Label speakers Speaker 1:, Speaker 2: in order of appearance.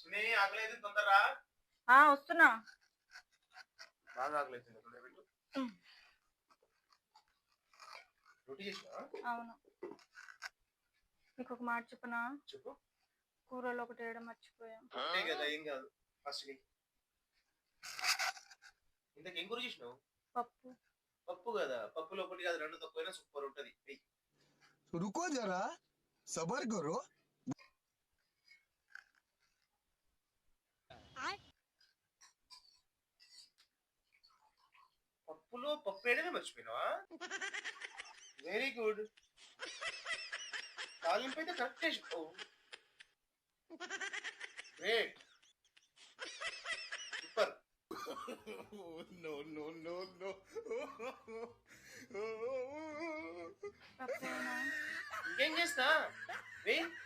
Speaker 1: సునీ ఆకలేదు తొందరరా.
Speaker 2: వస్తున్నా.
Speaker 1: బాగా ఆకలేదు. రొట్టి చేసినా?
Speaker 2: అవును. నీకు ఒక మాట చెప్పనా?
Speaker 1: చెప్పు.
Speaker 2: కూరలో ఒకటి వేయడం మర్చిపోయా.
Speaker 1: అంతే కదా, ఏం కాదు. ఫస్ట్ ఇంతకేం కూర చేసినావు?
Speaker 2: పప్పు.
Speaker 1: పప్పు కదా, పప్పులో ఒకటి కాదు రెండు తక్కువైనా సూపర్ ఉంటది.
Speaker 3: रुको जरा सबर करो.
Speaker 1: పప్పులో పప్పు వేయడమే మర్చిపోయినావా? Very good. తాలింపు అయితే కరెక్ట్ వేసినావు. Great, super.
Speaker 3: No no no no.
Speaker 2: పప్పేనా?
Speaker 1: ఇంకేం చేస్తా? వెయ్.